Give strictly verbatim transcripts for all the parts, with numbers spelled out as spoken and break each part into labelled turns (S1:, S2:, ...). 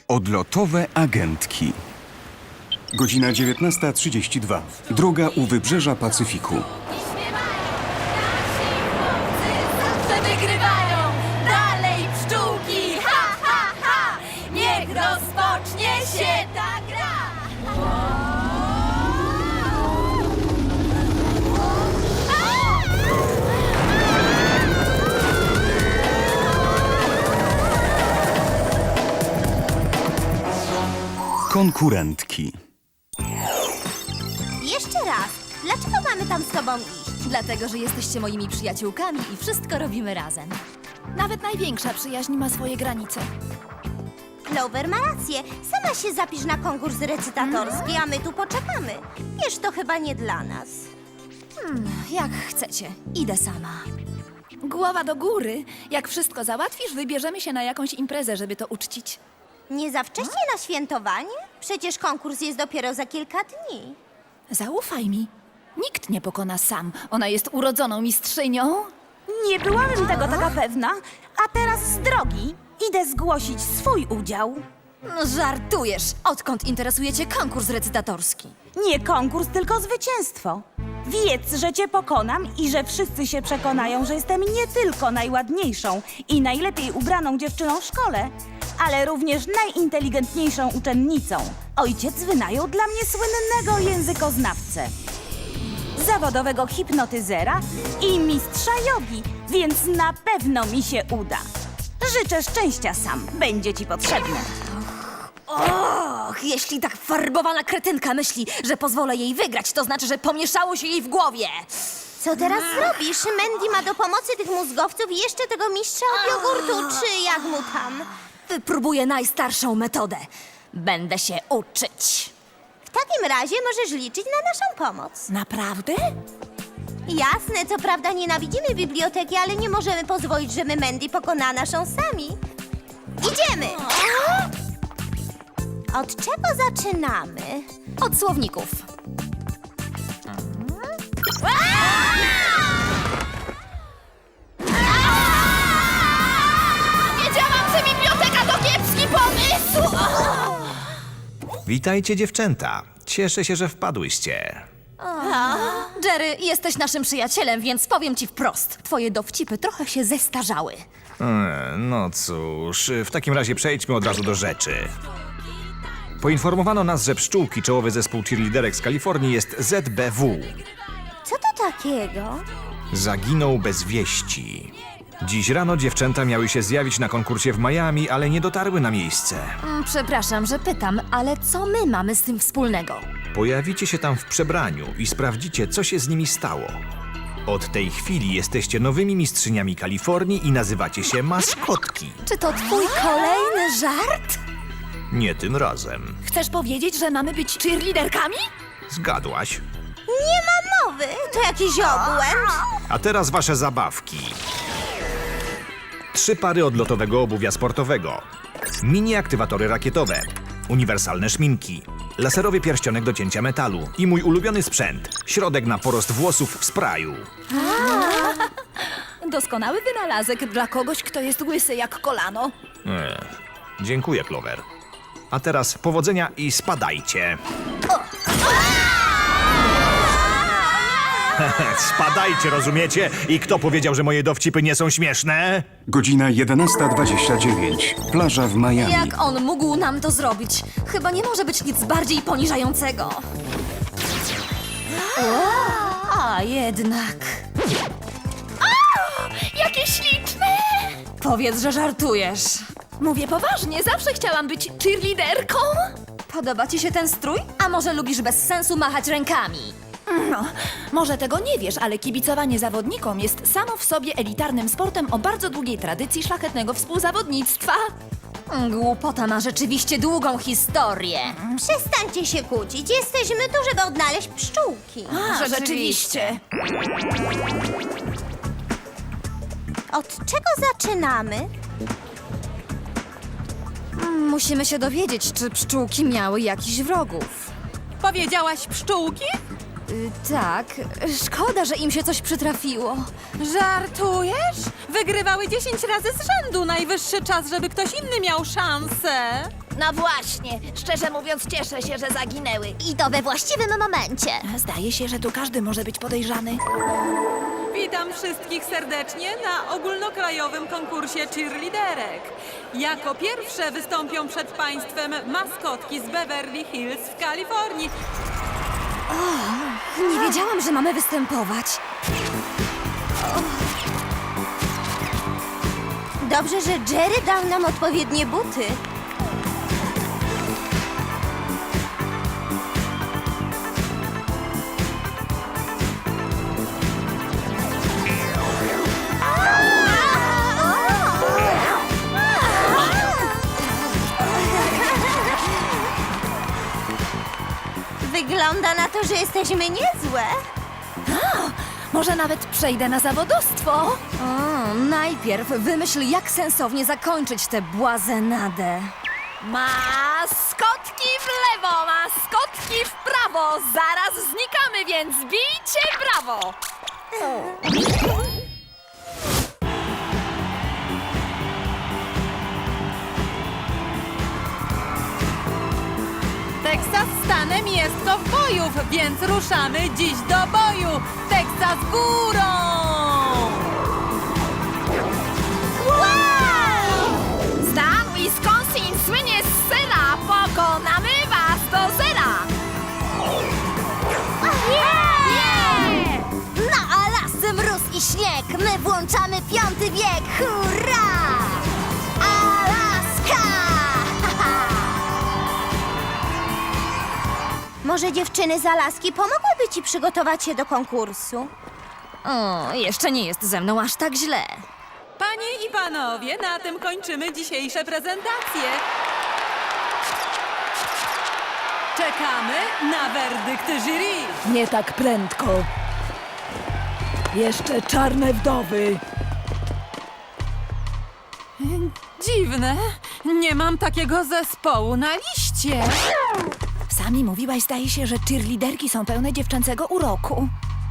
S1: Odlotowe agentki. Godzina dziewiętnasta trzydzieści dwa. Droga u wybrzeża Pacyfiku.
S2: Zawsze wygrywają! Dalej pszczółki! Ha, ha, ha! Niech rozpocznie się ta gra!
S1: Konkurentki.
S3: Jeszcze raz. Dlaczego mamy tam z tobą iść?
S2: Dlatego, że jesteście moimi przyjaciółkami i wszystko robimy razem. Nawet największa przyjaźń ma swoje granice.
S3: Clover ma rację. Sama się zapisz na konkurs recytatorski, a my tu poczekamy. Wiesz, to chyba nie dla nas.
S2: Jak chcecie. Idę sama. Głowa do góry. Jak wszystko załatwisz, wybierzemy się na jakąś imprezę, żeby to uczcić.
S3: Nie za wcześnie na świętowanie? Przecież konkurs jest dopiero za kilka dni.
S2: Zaufaj mi. Nikt nie pokona sam. Ona jest urodzoną mistrzynią.
S4: Nie byłabym tego taka pewna, a teraz z drogi idę zgłosić swój udział.
S2: No, żartujesz. Odkąd interesuje cię konkurs recytatorski?
S4: Nie konkurs, tylko zwycięstwo. Wiedz, że cię pokonam i że wszyscy się przekonają, że jestem nie tylko najładniejszą i najlepiej ubraną dziewczyną w szkole, ale również najinteligentniejszą uczennicą. Ojciec wynajął dla mnie słynnego językoznawcę, zawodowego hipnotyzera i mistrza jogi, więc na pewno mi się uda. Życzę szczęścia, Sam. Będzie ci potrzebne.
S2: Och, jeśli tak farbowana kretynka myśli, że pozwolę jej wygrać, to znaczy, że pomieszało się jej w głowie.
S3: Co teraz zrobisz? Mandy ma do pomocy tych mózgowców i jeszcze tego mistrza od jogurtu, czy jak mu tam.
S2: Wypróbuję najstarszą metodę. Będę się uczyć.
S3: W takim razie możesz liczyć na naszą pomoc.
S2: Naprawdę?
S3: Jasne, co prawda nienawidzimy biblioteki, ale nie możemy pozwolić, żeby Mandy pokonała naszą sami. Idziemy! Od czego zaczynamy?
S2: Od słowników. Wiedziałam, że biblioteka to kiepski pomysł!
S5: Witajcie, dziewczęta. Cieszę się, że wpadłyście.
S2: Jerry, jesteś naszym przyjacielem, więc powiem ci wprost. Twoje dowcipy trochę się zestarzały.
S5: E, No cóż, w takim razie przejdźmy od razu do rzeczy. Poinformowano nas, że pszczółki, czołowy zespół cheerleaderek z Kalifornii, jest Z B W.
S3: Co to takiego?
S5: Zaginął bez wieści. Dziś rano dziewczęta miały się zjawić na konkursie w Miami, ale nie dotarły na miejsce.
S2: Mm, Przepraszam, że pytam, ale co my mamy z tym wspólnego?
S5: Pojawicie się tam w przebraniu i sprawdzicie, co się z nimi stało. Od tej chwili jesteście nowymi mistrzyniami Kalifornii i nazywacie się maskotki.
S2: Czy to twój kolejny żart?
S5: Nie tym razem.
S2: Chcesz powiedzieć, że mamy być cheerleaderkami?
S5: Zgadłaś.
S3: Nie ma mowy! To jakiś obłęd!
S5: A teraz wasze zabawki. Trzy pary odlotowego obuwia sportowego. Mini aktywatory rakietowe. Uniwersalne szminki. Laserowy pierścionek do cięcia metalu. I mój ulubiony sprzęt. Środek na porost włosów w sprayu.
S2: Doskonały wynalazek dla kogoś, kto jest łysy jak kolano.
S5: Ech, dziękuję, Clover. A teraz powodzenia i spadajcie. Spadajcie, rozumiecie? I kto powiedział, że moje dowcipy nie są śmieszne?
S1: Godzina jedenasta dwadzieścia dziewięć. Plaża w Miami.
S2: Jak on mógł nam to zrobić? Chyba nie może być nic bardziej poniżającego. A jednak. A, jakie śliczne! Powiedz, że żartujesz. Mówię poważnie, zawsze chciałam być cheerleaderką. Podoba ci się ten strój? A może lubisz bez sensu machać rękami? No, może tego nie wiesz, ale kibicowanie zawodnikom jest samo w sobie elitarnym sportem o bardzo długiej tradycji szlachetnego współzawodnictwa. Głupota ma rzeczywiście długą historię.
S3: Przestańcie się kłócić. Jesteśmy tu, żeby odnaleźć pszczółki.
S2: A, rzeczywiście.
S3: Od czego zaczynamy?
S2: Musimy się dowiedzieć, czy pszczółki miały jakichś wrogów.
S6: Powiedziałaś pszczółki?
S2: Y, tak, szkoda, że im się coś przytrafiło.
S6: Żartujesz? Wygrywały dziesięć razy z rzędu. Najwyższy czas, żeby ktoś inny miał szansę.
S2: No właśnie, szczerze mówiąc cieszę się, że zaginęły.
S3: I to we właściwym momencie.
S2: Zdaje się, że tu każdy może być podejrzany.
S6: Witam wszystkich serdecznie na ogólnokrajowym konkursie cheerleaderek. Jako pierwsze wystąpią przed Państwem maskotki z Beverly Hills w Kalifornii.
S2: Nie wiedziałam, że mamy występować.
S3: Dobrze, że Jerry dał nam odpowiednie buty. Wygląda na to, że jesteśmy niezłe.
S2: Może nawet przejdę na zawodowstwo? O, najpierw wymyśl, jak sensownie zakończyć tę błazenadę. Maskotki w lewo, maskotki w prawo. Zaraz znikamy, więc bijcie brawo!
S6: Teksas stanem jest kowbojów, więc ruszamy dziś do boju. Teksas górą!
S2: Stan Wisconsin słynie z sera. Pokonamy was do zera.
S3: Na Alasce mróz i śnieg, my włączamy piąty wiek, hurra! Alaska! Może dziewczyny z Alaski pomogłyby ci przygotować się do konkursu?
S2: O, jeszcze nie jest ze mną aż tak źle.
S6: Panie i panowie, na tym kończymy dzisiejsze prezentacje. Czekamy na werdykt jury.
S7: Nie tak prędko. Jeszcze czarne wdowy.
S6: Dziwne, nie mam takiego zespołu na liście.
S2: Sami mówiłaś, zdaje się, że cheerleaderki są pełne dziewczęcego uroku.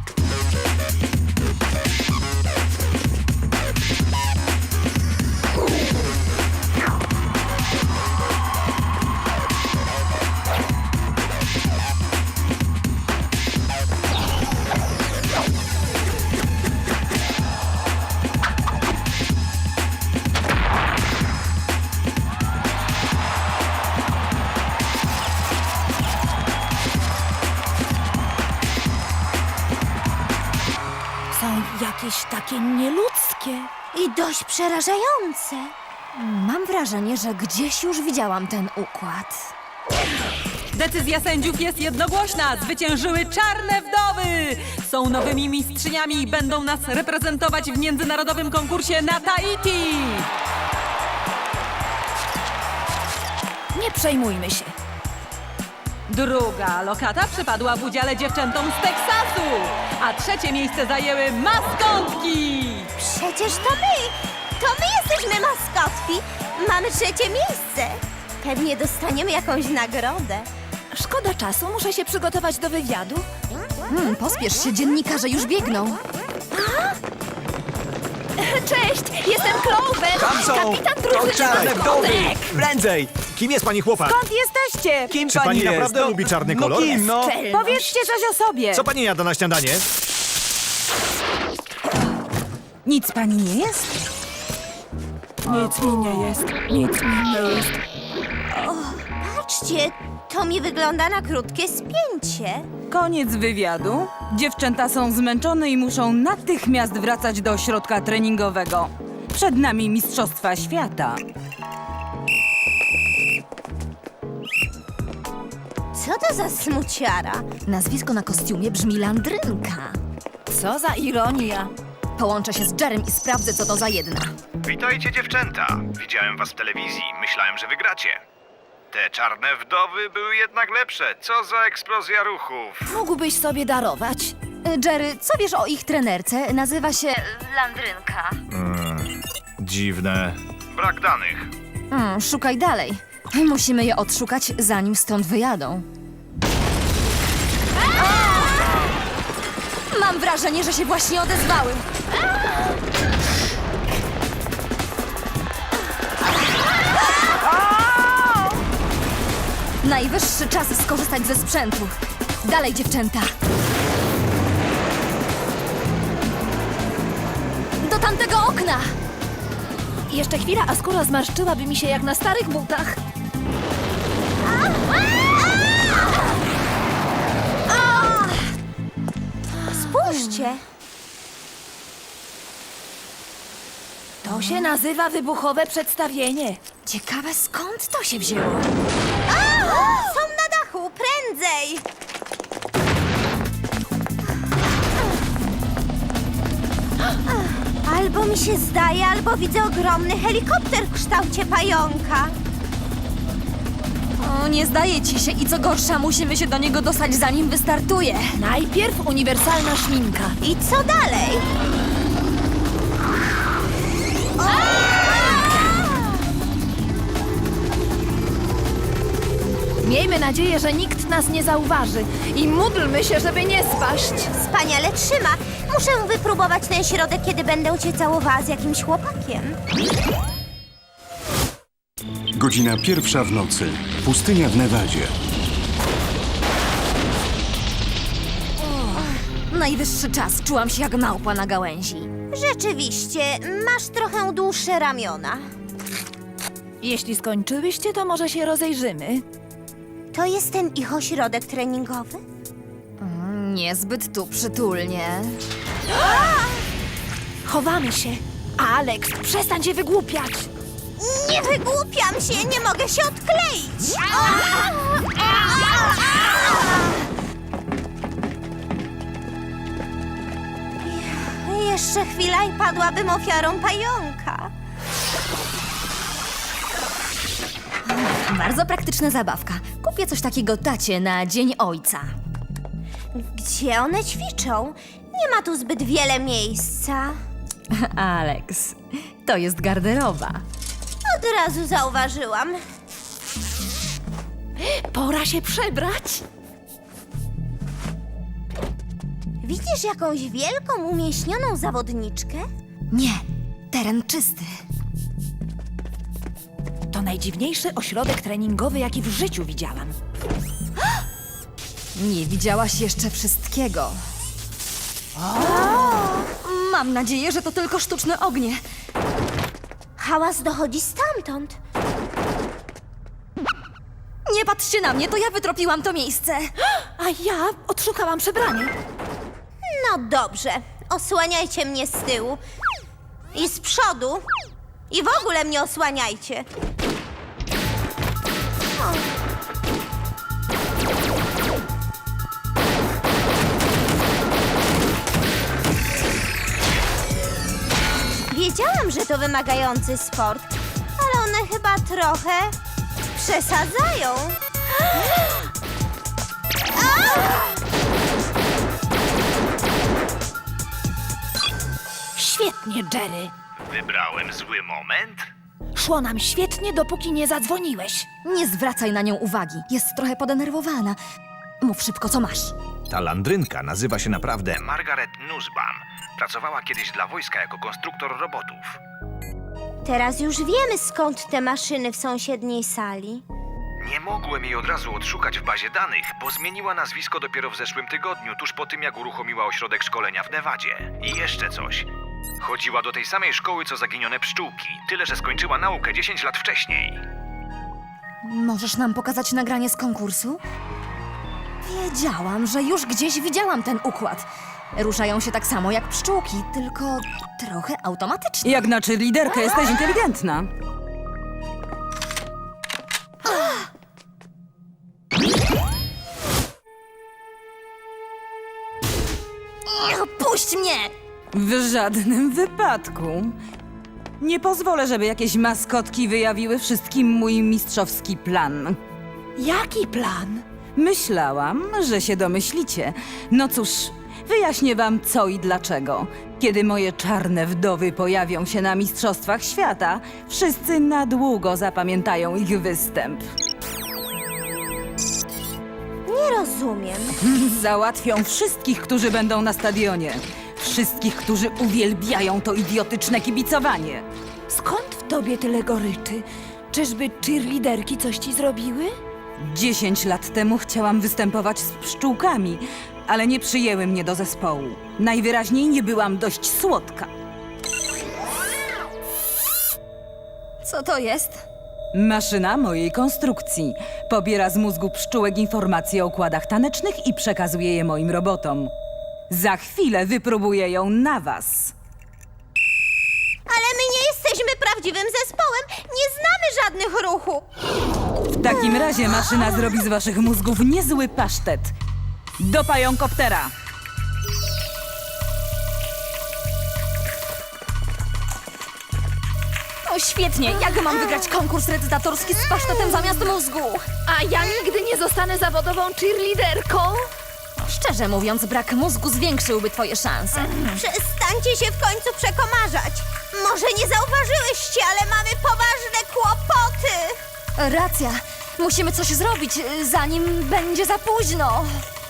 S2: Są jakieś takie nieludzkie.
S3: I dość przerażające.
S2: Mam wrażenie, że gdzieś już widziałam ten układ.
S6: Decyzja sędziów jest jednogłośna. Zwyciężyły czarne wdowy. Są nowymi mistrzyniami i będą nas reprezentować w międzynarodowym konkursie na Tahiti.
S2: Nie przejmujmy się.
S6: Druga lokata przypadła w udziale dziewczętom z Teksasu, a trzecie miejsce zajęły maskotki.
S3: Przecież to my! To my jesteśmy maskotki! Mamy trzecie miejsce! Pewnie dostaniemy jakąś nagrodę.
S2: Szkoda czasu, muszę się przygotować do wywiadu. Hmm, pospiesz się, dziennikarze już biegną. Cześć, jestem Clover,
S5: Tam są!
S2: kapitan drużyny
S5: Czarne wdowy!
S2: maskotek.
S5: Prędzej! Kim jest pani chłopak?
S4: Skąd jesteście?
S8: Kim
S5: Czy pani naprawdę lubi czarny kolor?
S8: No kim, no?
S2: Czelność.
S4: Powiedzcie coś o sobie.
S5: Co pani jada na śniadanie?
S4: Nic pani nie jest?
S7: Nic mi nie jest. Nic mi nie jest.
S3: Patrzcie, to mi wygląda na krótkie spięcie.
S4: Koniec wywiadu. Dziewczęta są zmęczone i muszą natychmiast wracać do ośrodka treningowego. Przed nami Mistrzostwa Świata.
S3: Co to za smuciara?
S2: Nazwisko na kostiumie brzmi Landrynka. Co za ironia. Połączę się z Jerem i sprawdzę, co to za jedna.
S5: Witajcie dziewczęta. Widziałem was w telewizji. Myślałem, że wygracie. Te czarne wdowy były jednak lepsze. Co za eksplozja ruchów.
S2: Mógłbyś sobie darować. Jerry, co wiesz o ich trenerce? Nazywa się Landrynka.
S5: Dziwne. Brak danych.
S2: Hmm, szukaj dalej. Musimy je odszukać, zanim stąd wyjadą. Mam wrażenie, że się właśnie odezwały. Najwyższy czas skorzystać ze sprzętu. Dalej, dziewczęta. Do tamtego okna! Jeszcze chwila, a skóra zmarszczyłaby mi się jak na starych butach.
S3: Spójrzcie.
S2: To się nazywa wybuchowe przedstawienie. Ciekawe, skąd to się wzięło?
S3: Są na dachu, prędzej! Albo mi się zdaje, albo widzę ogromny helikopter w kształcie pająka.
S2: O, nie zdaje ci się i co gorsza, musimy się do niego dostać, zanim wystartuje. Najpierw uniwersalna szminka.
S3: I co dalej?
S2: Miejmy nadzieję, że nikt nas nie zauważy i módlmy się, żeby nie spaść.
S3: Wspaniale trzyma. Muszę wypróbować ten środek, kiedy będę cię całowała z jakimś chłopakiem.
S1: Godzina pierwsza w nocy. Pustynia w Nevadzie.
S2: Najwyższy czas, czułam się jak małpa na gałęzi.
S3: Rzeczywiście, masz trochę dłuższe ramiona.
S2: Jeśli skończyłyście, to może się rozejrzymy.
S3: To jest ten ich ośrodek treningowy?
S2: Niezbyt tu przytulnie. Chowamy się. Alex, przestań się wygłupiać.
S3: Nie wygłupiam się, nie mogę się odkleić. Jeszcze chwila i padłabym ofiarą pająka.
S2: Bardzo praktyczna zabawka. Kupię coś takiego tacie na Dzień Ojca.
S3: Gdzie one ćwiczą? Nie ma tu zbyt wiele miejsca.
S2: Alex, to jest garderoba.
S3: Od razu zauważyłam.
S2: Pora się przebrać.
S3: Widzisz jakąś wielką, umieśnioną zawodniczkę?
S2: Nie, teren czysty.
S7: To najdziwniejszy ośrodek treningowy, jaki w życiu widziałam.
S2: Nie widziałaś jeszcze wszystkiego. Mam nadzieję, że to tylko sztuczne ognie.
S3: Hałas dochodzi stamtąd.
S2: Nie patrzcie na mnie, to ja wytropiłam to miejsce.
S7: A ja odszukałam przebranie.
S3: No dobrze, osłaniajcie mnie z tyłu. I z przodu. I w ogóle mnie osłaniajcie. Wiedziałam, że to wymagający sport, ale one chyba trochę przesadzają.
S7: Świetnie, Jerry.
S5: Wybrałem zły moment?
S7: Szło nam świetnie, dopóki nie zadzwoniłeś.
S2: Nie zwracaj na nią uwagi, jest trochę podenerwowana. Mów szybko, co masz.
S5: Ta landrynka nazywa się naprawdę Margaret Nussbaum. Pracowała kiedyś dla wojska jako konstruktor robotów.
S3: Teraz już wiemy, skąd te maszyny w sąsiedniej sali.
S5: Nie mogłem jej od razu odszukać w bazie danych, bo zmieniła nazwisko dopiero w zeszłym tygodniu, tuż po tym, jak uruchomiła ośrodek szkolenia w Nevadzie. I jeszcze coś. Chodziła do tej samej szkoły, co zaginione pszczółki, tyle że skończyła naukę dziesięć lat wcześniej.
S2: Możesz nam pokazać nagranie z konkursu? Wiedziałam, że już gdzieś widziałam ten układ. Ruszają się tak samo jak pszczółki, tylko trochę automatycznie.
S8: Jak na cheerleaderkę jesteś inteligentna.
S2: Puść mnie!
S8: W żadnym wypadku. Nie pozwolę, żeby jakieś maskotki wyjawiły wszystkim mój mistrzowski plan.
S7: Jaki plan?
S8: Myślałam, że się domyślicie. No cóż, wyjaśnię wam co i dlaczego. Kiedy moje czarne wdowy pojawią się na Mistrzostwach Świata, wszyscy na długo zapamiętają ich występ.
S3: Nie rozumiem.
S8: Załatwią wszystkich, którzy będą na stadionie. Wszystkich, którzy uwielbiają to idiotyczne kibicowanie.
S7: Skąd w tobie tyle goryczy? Czyżby cheerleaderki coś ci zrobiły?
S8: Dziesięć lat temu chciałam występować z pszczółkami, ale nie przyjęły mnie do zespołu. Najwyraźniej nie byłam dość słodka.
S2: Co to jest?
S8: Maszyna mojej konstrukcji. Pobiera z mózgu pszczółek informacje o układach tanecznych i przekazuje je moim robotom. Za chwilę wypróbuję ją na was.
S3: Ale my nie jesteśmy prawdziwym zespołem. Nie znamy żadnych ruchów.
S8: W takim razie maszyna zrobi z waszych mózgów niezły pasztet. Do pająkoptera!
S2: O, świetnie! Jak mam wygrać konkurs recytatorski z pasztetem zamiast mózgu? A ja nigdy nie zostanę zawodową cheerleaderką? Szczerze mówiąc, brak mózgu zwiększyłby twoje szanse.
S3: Przestańcie się w końcu przekomarzać. Może nie zauważyłyście, ale mamy poważne kłopoty.
S2: Racja. Musimy coś zrobić, y, zanim będzie za późno.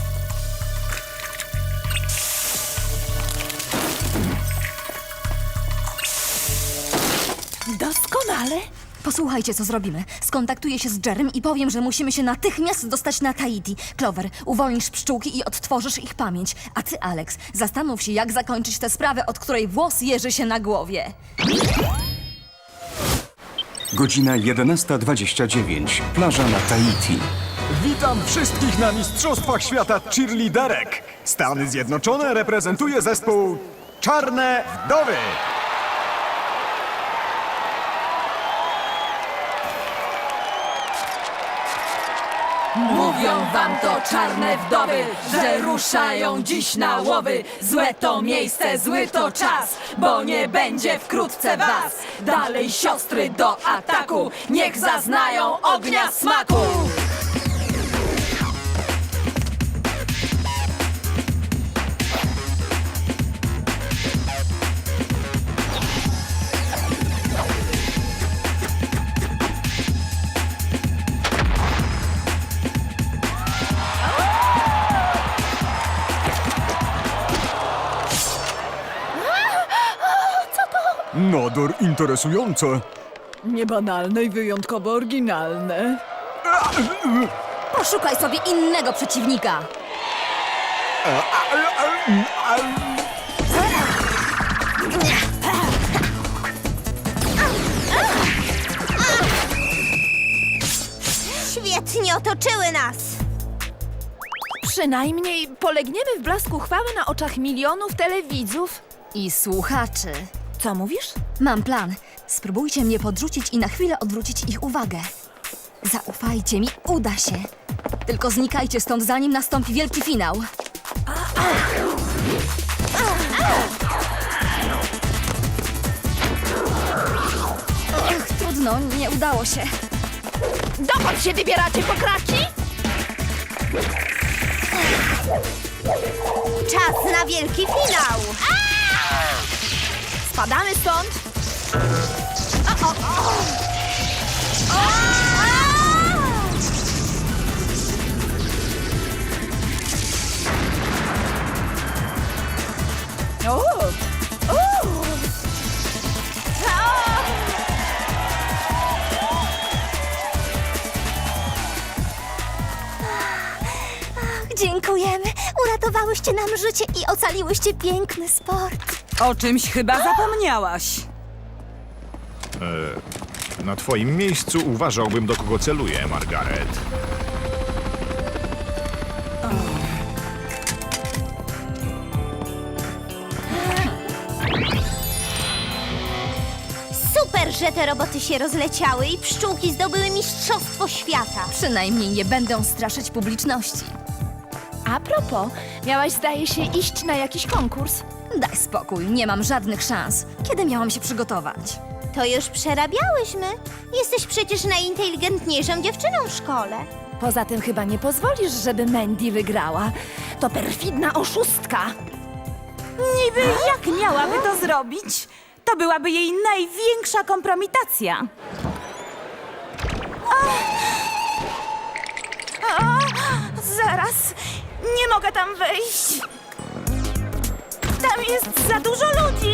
S7: Doskonale.
S2: Posłuchajcie, co zrobimy. Skontaktuję się z Jerem i powiem, że musimy się natychmiast dostać na Tahiti. Clover, uwolnisz pszczółki i odtworzysz ich pamięć. A ty, Alex, zastanów się, jak zakończyć tę sprawę, od której włos jeży się na głowie.
S1: Godzina jedenasta dwadzieścia dziewięć. Plaża na Tahiti.
S9: Witam wszystkich na Mistrzostwach Świata Cheerleaderek. Stany Zjednoczone reprezentuje zespół Czarne Wdowy.
S7: Mówią wam to czarne wdowy, że ruszają dziś na łowy. Złe to miejsce, zły to czas, bo nie będzie wkrótce was. Dalej siostry do ataku, niech zaznają ognia smaku.
S9: Nader interesujące.
S7: Niebanalne i wyjątkowo oryginalne.
S2: Poszukaj sobie innego przeciwnika.
S3: Świetnie otoczyły nas.
S10: Przynajmniej polegniemy w blasku chwały na oczach milionów telewidzów.
S2: I słuchaczy.
S10: Co mówisz?
S2: Mam plan. Spróbujcie mnie podrzucić i na chwilę odwrócić ich uwagę. Zaufajcie mi, uda się. Tylko znikajcie stąd, zanim nastąpi wielki finał. Ach, trudno, nie udało się.
S10: Dokąd się wybieracie, pokraki?
S3: Czas na wielki finał.
S10: Spadamy stąd.
S7: O!
S3: Dziękujemy. Uratowałyście nam życie i ocaliłyście piękny sport.
S8: O czymś chyba zapomniałaś.
S5: Na twoim miejscu uważałbym, do kogo celuję, Margaret.
S3: Super, że te roboty się rozleciały i pszczółki zdobyły Mistrzostwo Świata.
S2: Przynajmniej nie będę straszyć publiczności.
S10: A propos, miałaś zdaje się iść na jakiś konkurs.
S2: Daj spokój, nie mam żadnych szans. Kiedy miałam się przygotować?
S3: To już przerabiałyśmy. Jesteś przecież najinteligentniejszą dziewczyną w szkole.
S10: Poza tym chyba nie pozwolisz, żeby Mandy wygrała. To perfidna oszustka.
S4: Niby jak miałaby to zrobić? To byłaby jej największa kompromitacja. A! A! Zaraz, nie mogę tam wejść. Tam jest za dużo ludzi.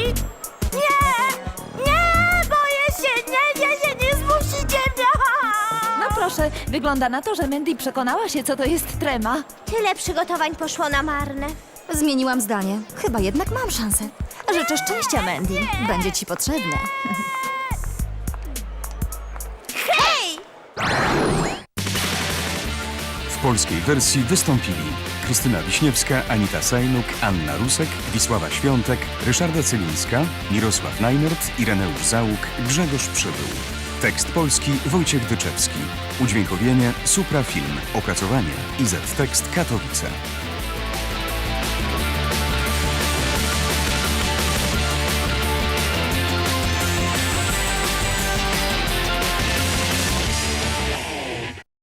S4: Nie, nie, boję się, nie, nie, nie, nie zmusicie mnie.
S10: No proszę proszę, wygląda na to, że Mandy przekonała się, co to jest trema.
S3: Tyle przygotowań poszło na marne.
S2: Zmieniłam zdanie. Chyba jednak mam szansę. Życzę szczęścia, Mandy. Będzie ci potrzebne.
S3: Hej!
S1: W polskiej wersji wystąpili Krystyna Wiśniewska, Anita Sajnuk, Anna Rusek, Wisława Świątek, Ryszarda Cylińska, Mirosław Najnert, Ireneusz Załuk, Grzegorz Przybył. Tekst polski Wojciech Dyczewski. Udźwiękowienie Supra Film. Opracowanie I Z Tekst Katowice.